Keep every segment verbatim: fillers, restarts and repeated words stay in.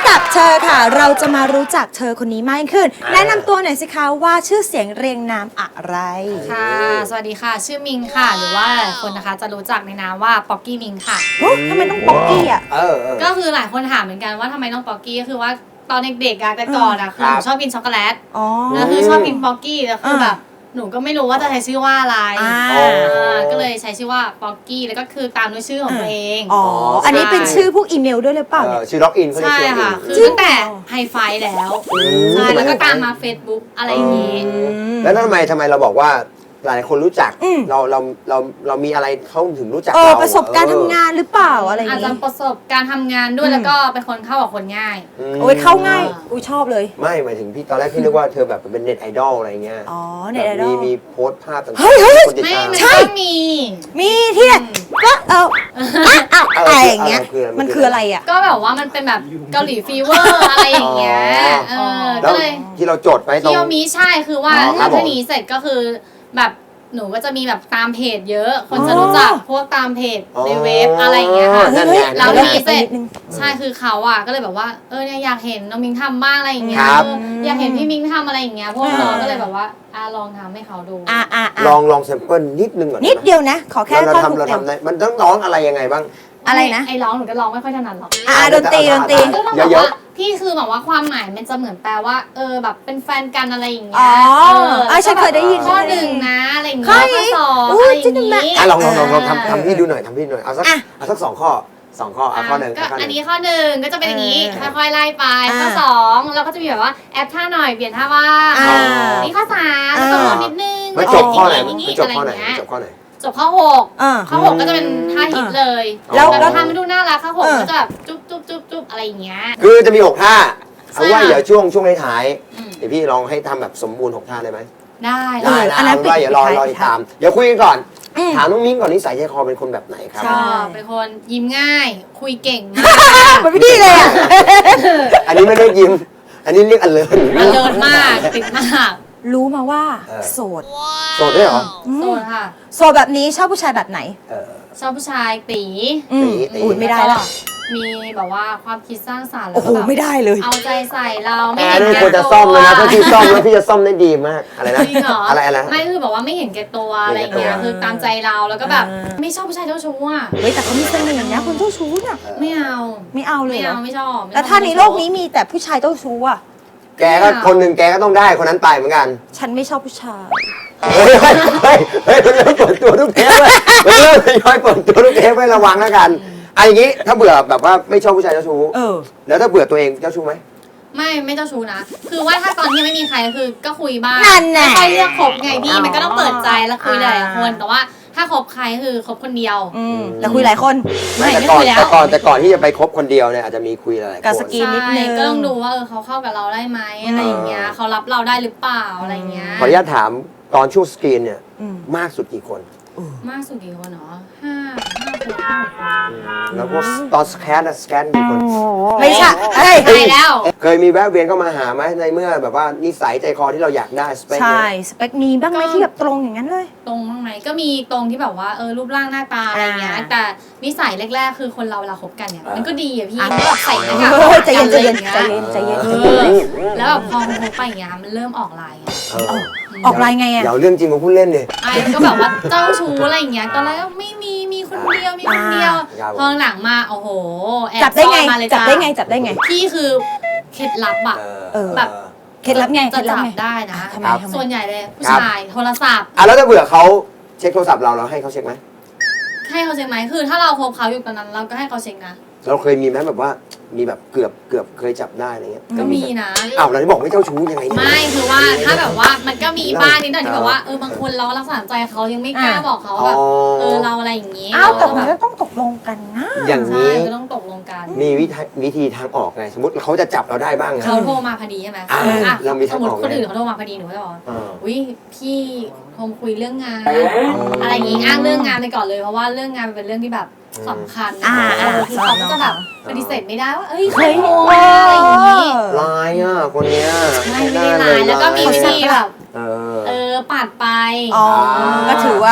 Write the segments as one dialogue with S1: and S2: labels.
S1: ำหรับเธอค่ะเราจะมารู้จักเธอคนนี้มากขึ้นแนะนำตัวหน่อยสิคะว่าชื่อเสียงเรียงนามอะไร
S2: ค่ะสวัสดีค่ะชื่อมิงค่ะหรือว่าคนนะคะจะรู้จักในนามว่าป๊อกกี้มิงค่ะ
S1: ทำไมต้องป๊อกกี้อ่ะ
S2: ก็คือหลายคนถามเหมือนกันว่าทำไมต้องป๊อกกี้ก็คือว่าตอนเด็กๆอะแต่ก่อนอะคือหนูชอบกินช็อกโกแลตแล้วคือชอบกินป๊อกกี้แล้วคือแบบหนูก็ไม่รู้ว่าจะใช้ชื่อว่าอะไรก็เลยใช้ชื่อว่าป๊อกกี้แล้วก็คือตามด้วยชื่อของตัวเอง
S1: อ๋ออันนี้เป็นชื่อพวกอีเมลด้วยหรือเปล่าเนี่ย
S3: ชื่อล็อกอิน
S2: ใช่ค่ะคือตั้งแต่ไฮไฟแล้วใช่แล้วก็ตามมา Facebook อะไรอย่างนี้
S3: แล้วทำไมทำไมเราบอกว่าหลายคนรู้จักเราเราเราเรามีอะไรเขาถึงรู้จัก
S1: เราประสบการณ์ทำงานหรือเปล่าอะไรอย่าง
S2: นี้อาจจะประสบการณ์ทำงานด้วยแล้วก็เป็นคนเข้ากับคนง่าย
S1: โอ้ยเข้าง่ายอุ้ยชอบเลย
S3: ไม่หมายถึงพี่ตอนแรกพี่นึกว่าเธอแบบเป็นเน็ตไอดอลอะไรเงี้ย
S1: อ๋อเน็ตไอดอล
S3: มีมีโพสภาพต่างๆ
S1: เฮ้ยเฮ้ย
S2: ไม่ใช่ มี
S1: มีที่ไหนก็เอออะไรอย่างเงี้ยมันคืออะไรอ่ะ
S2: ก็แบบว่ามันเป็นแบบเกาหลีฟีเวอร์อะไรอย่างเงี้ยเออก็เลย
S3: ที่เราจดไปตรง
S2: ที่มีใช่คือว่าถ้าทีนี้เสร็จก็คือแบบหนูก็จะมีแบบตามเพจเยอะคนจะรู้จักพวกตามเพจในเว็บอะไรอย่างเงี้ยค่ะแล้วทีนี้เสร็จใช่คือเขาอ่ะก็เลยแบบว่าเออเนี่ยอยากเห็นน้องมิงทำบ้างอะไรอย่างเงี้ยอยากเห็นพี่มิงทำอะไรอย่างเงี้ยพวกน้องก็เลยแบบว่าอ่ะลองทำให้เขาดู
S1: อ่ะอ่ะ
S3: ลองลองแซมเปิลนิดนึงก่อน
S1: นิดเดียวนะขอแค่
S3: เราทำเราทำได้มันต้องร้องอะไรยังไงบ้าง
S1: อะไรนะ
S2: ไอ้ร้องหนูก็ร้องไม่ค่อยถนัดหรอก
S1: อ่าดนตรีดนตรี
S3: เยอะ
S2: ๆพี่คือแบบว่าความหมายมันจะเหมือนแปลว่าเออแบบเป็นแฟนกันอะไรอย่างเงี้
S1: ยอ๋อฉันเคยได้ยิน
S2: ข้อหนึ่งนะอะไรอย่างเงี้ยข้อสองอะไรอย่างงี้
S3: อ่ะลองลองลองลองทำทำพี่ดูหน่อยทำพี่หน่อยเอาสักเอาสักสองข้อสองข้ออ่ะข้อหนึ่ง
S2: ก็อันนี้ข้อหนึ่งก็จะเป็นอย่างนี้ค่อยๆไล่ไปข้อสองเราก็จะมีแบบว่าแอปท่าหน่อยเปลี่ยนท่าว่านี่ข้อสามต้องลดนิดนึง
S3: ไม่จบข้อไหนไม่จบข้อไหนจบข้อไหน
S2: จบข้อหกข้อหกก็จะเป็นท่าฮิตเลยแล้วทำให้ดูน่ารักข้อหกก็จะแบบจุ๊บจุ๊บจุ๊บจุ๊บอะไรอย่างเงี้ย
S3: คือจะมีหกท่าเอาว่าเดี๋ยวช่วงช่วงท้ายเดี๋ยวพี่ลองให้ทำแบบสมบูรณ์หกท่าได้ไหม
S2: ได้
S3: ได้นะอันนั้นอย่ารอรอติดตามเดี๋ยวคุยกันก่อนถามน้องมิ้งก่อนนิสัยใจคอเป็นคนแบบไหนครับ
S2: ชอบเป็นคนยิ้มง่ายคุยเก่งมาก
S1: เป็นพี่เลยอ่ะ
S3: อันนี้ไม่ได้ยิ้มอันนี้เรียกอเลิร์
S2: อเลิร์มากติดมาก
S1: รู้มาว่าโสด
S3: โสดได้เหรอ
S2: โสดค่ะ
S1: โสดแบบนี้ชอบผู้ชายแบบไหน
S2: ชอบผู้ชายตี
S3: ตี
S1: อุ้ยไม่ได้ละ
S2: มีแบบว่าความคิดสร้างสรรค์แล้
S1: วก็แบบ
S2: ไม่
S1: ได้เลย
S2: เอาใจใส่เราไม่
S3: เห็นแก่ตัวควรจะซ่อมเลยนะถ้าพี่ซ่อมแล้วพี่จะซ่อมได้ดีมากอะไรนะอะไรอะไร
S2: ไม่คือแบบว่าไม่เห็นแก่ตัวอะไรอย่างเงี้ยคือตามใจเราแล้วก็แบบไม่ชอบผู้ชายเจ้าชู้อ่ะ
S1: เฮ้ยแต่เขามีเสน่ห์นะคนเจ้าชู้เนี่ย
S2: ไม่เอา
S1: ไม่เอาเลย
S2: ไม่เอาไม่ชอบ
S1: แต่ถ้าในโลกนี้มีแต่ผู้ชายเจ้าชู้อ่ะ
S3: แกก็คนหนึ่งแกก็ต้องได้คนนั้นไปเหมือนกัน
S1: ฉันไม่ชอบผู้ชาย
S3: เฮ้ยเฮ้ยเฮ้ยมันเริ่มเปิดตัวทุกเทปเลยมันเริ่มทยอยเปิดตัวทุกเทปให้ระวังแล้วกันอันอย่างนี้ถ้าเบื่อแบบว่าไม่ชอบผู้ชายเจ้าชู้แล้วถ้าเบื่อตัวเองเจ้าชู้ไหม
S2: ไม่ไม่เจ้าชู้นะคือว่าถ้าตอนที่ไม่มีใครคือก็คุยบ้าง
S1: ไม่
S2: ค่อยเลือกคบไงพี่มันก็ต้องเปิดใจแล้วคุยหลายคนแต่ว่าถ้าคบใครคือคบคนเดียว
S1: แต่คุยหลายคน
S3: ไม่แต่ก่อนแต่ก่อนแต่ก่อนที่จะไปคบคนเดียวเนี่ยอาจจะมีคุยหลายคน
S1: กับสกีนิดนึง
S2: ก็ต้องดูว่าเออเขาเข้ากับเราได้ไหมอะไรอย่างเงี้ยเขารับเราได้หรือเปล่าอะไรเงี้ย
S3: ขออนุญาตถามตอนช่วงสกรีนเนี่ยมากสุดกี่คน
S2: มากสุดกี่คนเนาะห้าห้าคน
S3: แล้วก็ตอนสแกนสแกนกี่คน
S1: ไม่ใช่
S2: เฮ้ยไปแล้ว
S3: เคยมีแวะเวียนเข้ามาหาไหมในเมื่อแบบว่านิสัยใจคอที่เราอยากได้สเปค
S1: ใช่สเปคมีบ้างไหมที่แบบตรงอย่างนั้นเลย
S2: ตรงบ้างไหมก็มีตรงที่แบบว่าเออรูปร่างหน้าตาอะไรเงี้ยแต่นิสัยแรกๆคือคนเราเวลาคบกันเนี่ยมันก็ดีอะพี่แบบใส่หน้ากาก
S1: ใจเย็นใจเย็นใจเย็นใจเย็น
S2: แล้วแบบพอคบไปอย่างเงี้ยมันเริ่มออกลาย
S1: ออกลายไงอะ
S3: เดี๋ยวเรื่องจริงมาพูดเล่นเลย
S2: ไอ้ก็แบบว่าเจ้าชู้อะไรอย่างเงี้ยตอนแรกไม่มีมีคนเดียวมีคนเดียวพอหลังมาโอ้โห
S1: จับได้ไงจับได้ไงจับได้ไง
S2: พี่คือเคล็ดลับอะแบบ
S1: เคล็ดลับไง
S2: จะจับได้นะส่วนใหญ่เลยผู้ชายโทรศัพท์
S3: อ่ะแล้วถ้าเบื่อเขาเช็คโทรศัพท์เราเราให้เขาเช็คไหม
S2: ให้เขาเช็คไหมคือถ้าเราคบเขาอยู่ตอนนั้นเราก็ให้เขาเช็คนะ
S3: เราเคยมีไหมแบบว่ามีแบบเกือบเกือบเคยจับได้อะไรเงี้ย
S2: ก็มีนะ
S3: อ้าวเราที่บอกไม่เจ้าชู้ยังไง
S2: ไม่คือว่าถ้าแบบว่ามันก็มีบ้างนิดหน่อยที่แบบว่าเออบางคนเรารักษาใจเขายังไม่กล้าบอกเขาแบบเออเราอะไรอย่างงี้
S1: อ้าวแต่มันก็ต้องตกลงกันนะ
S3: อย่างนี้
S2: ก็ต้องตกลงกัน
S3: มีวิธีวิธีทางออกไงสมมติเขาจะจับเราได้บ้าง
S2: เขาโทรมาพอดีใช่ไหม
S3: เรามีทางออก
S2: สมมติคนอื่นเขาโทรมาพอดีหนูก็จะบอกอุ้ยพี่โทรคุยเรื่องงานอะไรอย่างงี้อ้างเรื่องงานไปก่อนเลยเพราะว่าเรื่องงานเป็นเรื่องที่แบบสำคัญอ่าคือเขาก็จะแบบปฏิเสธไม่ได้ว่าเอ้ยเคยโทรอะไรอย่างงี้
S3: ลายอ่ะคนเนี้ย
S2: ไม่ไม่ได้ลายแล้วก็มีวิธีแบบเออปัดไป
S1: อ๋อก็ถือว่า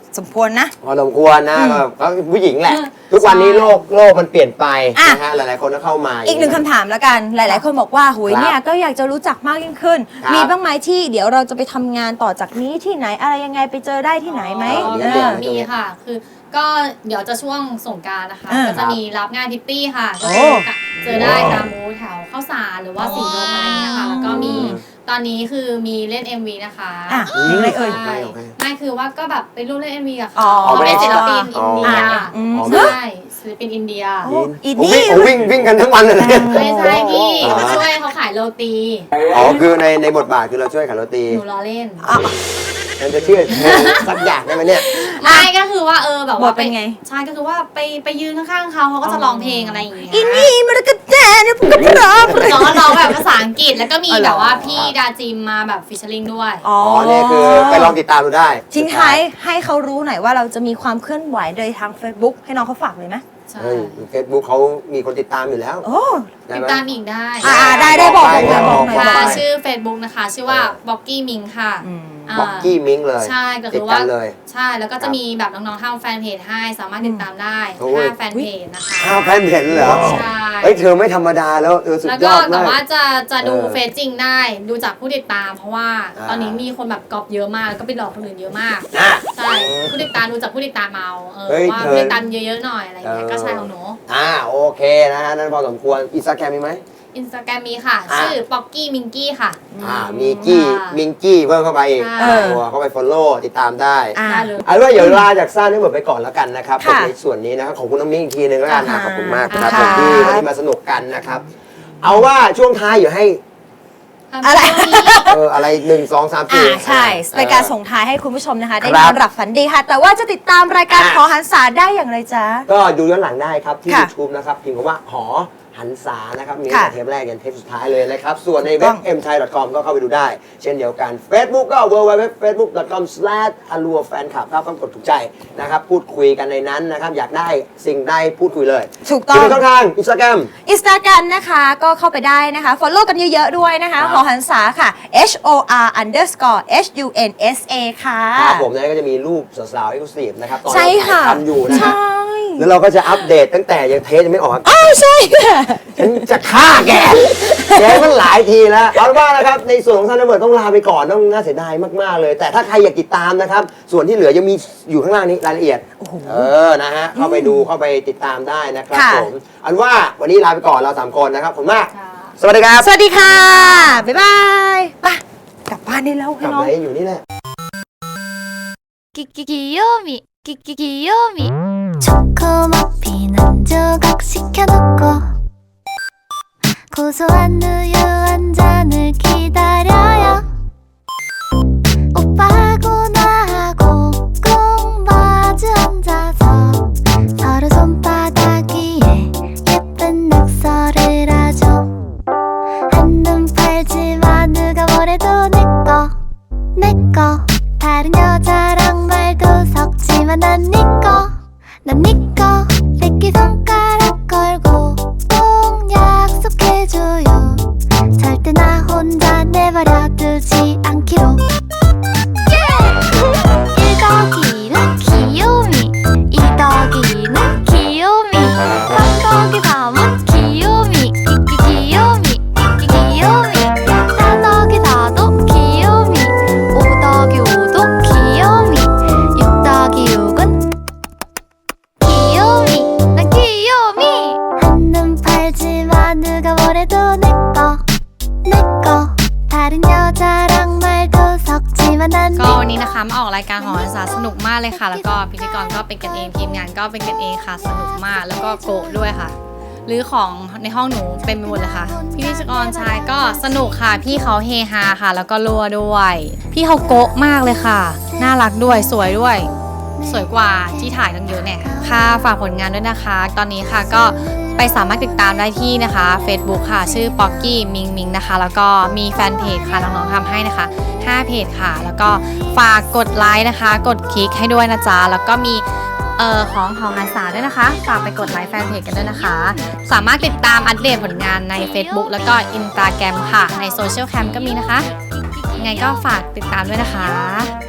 S1: สมควรนะ
S3: พอสมควรนะแบบเขาผู้หญิงแหละ ทุกวันนี้โลกโลกมันเปลี่ยนไป
S1: อ่ะ
S3: นะฮะหลายๆคนก็เข้ามา
S1: อีกหนึ่งคำถามแล้วกัน หลาย ๆ คนบอกว่าหุยเนี่ยก็อยากจะรู้จักมากยิ่งขึ้น
S3: ครับ
S1: มีบ้างไหมที่เดี๋ยวเราจะไปทำงานต่อจากนี้ที่ไหนอะไรยังไงไปเจอได้ที่ไหนไหม
S2: อ๋อ
S1: เออ
S2: มีค่ะ คือก็เดี๋ยวจะช่วงสงกรานต์นะคะ
S1: อ่า
S2: ก็จะมีรับงานพิตตี้ค่ะ
S1: โอ้
S2: ก็เจอได้ตามมูแถวข้าวสารหรือว่าสีลมอะไรเงี้ยค่ะ แล้วก็มีตอนนี้คือมีเล่น เอ็ม วี นะคะ
S1: อ่ะเพลงอะไรเอ่ย
S2: ใช่ไม่คือว่าก็แบบไปร่วมเล่น เอ็ม วี กับ
S1: อ๋
S2: เขา
S1: อ
S2: เขาเป็นศิลปิน
S3: อ๋
S2: อิ
S3: อ
S2: นเดีย
S1: อืม
S2: ใช่ศิลปินอินเดีย
S1: โอ้อี
S3: ผม
S1: นี่
S3: วิ่งผมวิ่งวิ่งกันทั้งวันเลยเนี่ย
S2: ไม่ใช่พี่
S3: อ๋อ
S2: มาช่วยเขาขายโรตี
S3: อ๋อคือในในบทบาทคือเราช่วยขายโรตี
S2: หนูล้อเล่น
S3: มันจะเชื่อสักอย่างได้ไหมเนี่ย
S2: ไม่ก็คือว่าเออแบบว่า
S1: บทเป็นไง
S2: ใช่ก็คือว่าไปไปยืนข้างๆเขาเขาก็จะร้องเพลงอะไรอย่างเงี้ย
S1: อีนี่มันก็แจ้เนี่ยผมก็พร้อม
S2: ร้องร้องแบบภาษาอังกฤษแล้วก็มี
S1: อ๋อเหรอ
S2: แบบว่าพี่ดาจิมมาแบบฟิชเชอร์ลิงด้วย
S1: อ๋อ
S3: อ๋อเนี่ยคือไปลองติดตามดูได้
S1: ทิ้งท้ายให้เขารู้หน่อยว่าเราจะมีความเคลื่อนไหวโดยทาง Facebook ให้น้องเขาฝากเลยไหม
S2: ใช่
S3: เฮ้ยเฟซบุ๊กเขามีคนติดตามอยู่แล้ว
S1: โอ้
S3: ได้
S2: ติด
S3: ไหม
S2: ตามอีกได้
S1: อ่าได้ได้บอกบอก
S3: ได้
S1: บอกหน่อย
S3: บอก
S2: ค่ะ
S3: ไป
S2: ชื่อ Facebook นะคะ ชื่อว่าบ็อกกี้มิงค่ะ
S1: อืม
S2: า
S3: บ็อกกี้มิงเลย
S2: ใช่ก็
S3: ติ
S2: คื
S3: ด
S2: อ
S3: กั
S2: ว่าน
S3: เลย
S2: ใช่แล้วก็จะมีแบบน้องๆทำแฟนเพจให้สามารถติดตามได้
S3: โอ้ย
S2: ห้าแฟนเพจนะคะ
S3: ข้าวแพนเพนเหรอ
S2: ใช่
S3: เฮ้ยเธอไม่ธรรมดาแล้วเออสุด
S2: แล้ว
S3: ย
S2: ก็
S3: อด
S2: แต่
S3: มาก
S2: ว่าจะจะดู
S3: เออ
S2: เฟซจริงได้ ดูจากผู้ติดตาม เพราะว่า
S3: อ่า
S2: ตอนนี้มีคนแบบก๊อปเยอะมากแล้วก็ไปหลอกคนอื่นเยอะมาก
S3: นะ
S2: ใช่ผู้ติดตามดูจากผู้ติดตามเอาเออ
S3: เฮ้ย
S2: ว่า
S3: เธอ
S2: ผู้ติดตามเยอะๆหน่อยอะไรอย่างเงี้ย
S3: เออ
S2: ก็ใช่ของหนู
S3: อ่าโอเคนะฮะนั่นพอสมควรอินสตาแกรมมีไหม
S2: อินสตาแกรมมีค่ะ
S3: อ่า
S2: ชื่อป๊อกกี้มิงกี้ค่ะ
S3: อ่ามีกี้
S2: ค่ะ
S3: มิงกี้เพิ่มเข้าไปอีก
S2: เออ
S3: ตัวเข้าไปฟอลโล่ติดตามได้
S1: อ่า
S2: ได้เลย
S3: เอาเป็นว่าเดี๋ยวลาจากซ่านี่หมดไปก่อนแล้วกันนะครับ
S1: ค่ะ
S3: ในส่วนนี้นะครับขอบคุณน้องมิ้งอีกทีนึงแล้วกันนะ
S1: อ่า
S3: ขอบคุณมากครับ
S1: ค่ะ
S3: ผมที่วันนี้มาสนุกกันนะครับ เอาว่าช่วงท้ายอยู่ให้
S1: อะไร
S3: เอออะไรหนึ่งสองสาม
S1: อ่า
S3: สี่
S1: ใช่เป็นการส่งท้ายให้คุณผู้ชมนะคะ ได้
S3: ครั
S1: น
S3: บ
S1: อนหลับฝันดีค่ะ แต่ว่าจะติดตามรายการ
S3: อ่ะ
S1: ขอหันษาได้อย่างไรจ๊ะ
S3: ก็ดูย้อนหลังได้ครับที่
S1: ค่ะ
S3: YouTube นะครับพิมพ์คำว่าหอหันษานะครับมี
S1: ค่ะ
S3: ตั้งแต่เทปแรกยันเทปสุดท้ายเลยนะครับ ส่วนใน
S1: ถูกต้
S3: เว็
S1: อบ ง
S3: เอ็มไทย ดอท คอม ก็เข้าไปดูได้ เช่นเดียวกัน Facebook ก็ ดับเบิลยู ดับเบิลยู ดับเบิลยู ดอท เฟซบุ๊ก ดอท คอม สแลช อลัวแฟนคลับครับก็กดถูกใจนะครับพูดคุยกันในนั้นนะครับอยากได้สิ่งใดพูดคุยเลย
S1: ถูกต้อ
S3: ที่
S1: ง
S3: เป็นช่องทางอินสตาแกรม
S1: อินสตาแกรมนะคะก็เข้าไปได้นะคะ follow กันเยอะๆด้วยนะคะ
S3: ครับ
S1: หอหันษาค่ะ H O R underscore H U N S A ค่ะ
S3: ครับผมนะก็จะมีรูปสาวๆเอ็กซ์คลูซีฟนะครับตอน
S1: ใช่
S3: เรา
S1: ค่ะ
S3: ถ่ายทำอยู่นะ
S1: ใช่
S3: แล้วเราก็จะอัปเดตตั้งแต่ยังเทสยังไม่ออก
S1: อ้าวใช่ค่ะ
S3: ฉันจะฆ่าแก แกมันหลายทีแล้ว เอาเป็นว่านะครับ ในส่วนของซันเดอร์เบิร์ดต้องลาไปก่อน ต้องน่าเสียดายมาก ๆ เลย แต่ถ้าใครอยากติดตามนะครับ ส่วนที่เหลือยังมีอยู่ข้างล่างนี้รายละเอียด เออ นะฮะ เข้าไปดู เข้าไปติดตามได้นะครับ
S1: ค่ะ
S3: ผมเอาเป็นว่าวันนี้ลาไปก่อนเราสามคนนะครับ ผมมาก
S2: ค่ะ
S3: สวัสดีครับ
S1: สวัสดีค่ะ บ๊ายบายไปกลับบ้านได้แล้ว
S3: ก
S1: ให้
S3: ลับ
S1: น้อง
S3: มาอยู่นี่แหละ
S4: きききよみきききよみチョコモピー南上学士켜놓고 고소한 우유 한 잔을 기다려요 오빠하고 나하고 꼭 마주 앉아서 서로 손바닥 위에 예쁜 낙서를 하죠 한눈 팔지마 누가 뭐래도 내꺼 내꺼 다른 여자랑 말도 섞지만 난 니꺼 난 니꺼 새끼손가락 걸고 꼭 약속해줘요 절대 나 혼자 내버려 두지 않기로 일 더하기는 귀요미 이 더하기는 귀요미 삼 더하기 삼은 귀요미 끼끼 귀요미 끼끼 귀요미 사 더하기 사도 귀요미 오 더하기 오도 귀요미 육 더하기 육은 귀요미 난 귀요미 한눈 팔지마 누가 뭐래도 내꺼 내꺼 다른 여자랑 말도 섞지만 난
S2: ก็วันนี้นะคะมาออกรายการหออาสาสนุกมากเลยค่ะ แล้วก็พิธีกรก็เป็นกันเองทีมงานก็เป็นกันเองค่ะสนุกมากแล้วก็โกะด้วยค่ะหรือของในห้องหนูเต็มไปหมดเลยค่ะพี่พิธีกรชายก็สนุกค่ะพี่เขาเฮฮาค่ะ แล้วก็รัวด้วย พี่เขาโกะมากเลยค่ะ น่ารักด้วยสวยด้วย สวยกว่าที่ถ่ายตั้งเยอะเนี่ยค่ะฝากผลงานด้วยนะคะ ตอนนี้ค่ะก็ไปสามารถติดตามได้ที่นะคะ Facebook ค่ะ ชื่อป๊อกกี้มิงมิงนะคะ แล้วก็มีแฟนเพจค่ะน้องๆทำให้นะคะห้าเพจค่ะ แล้วก็ฝากกดไลค์นะคะ กดคลิกให้ด้วยนะจ๊ะแล้วก็มีเอ่อของหอหันษาด้วยนะคะ ฝากไปกดไลค์แฟนเพจกันด้วยนะคะ สามารถติดตามอัปเดตผลงานใน Facebook แล้วก็ Instagram ค่ะในโซเชียลแคมก็มีนะคะยังไงก็ฝากติดตามด้วยนะคะ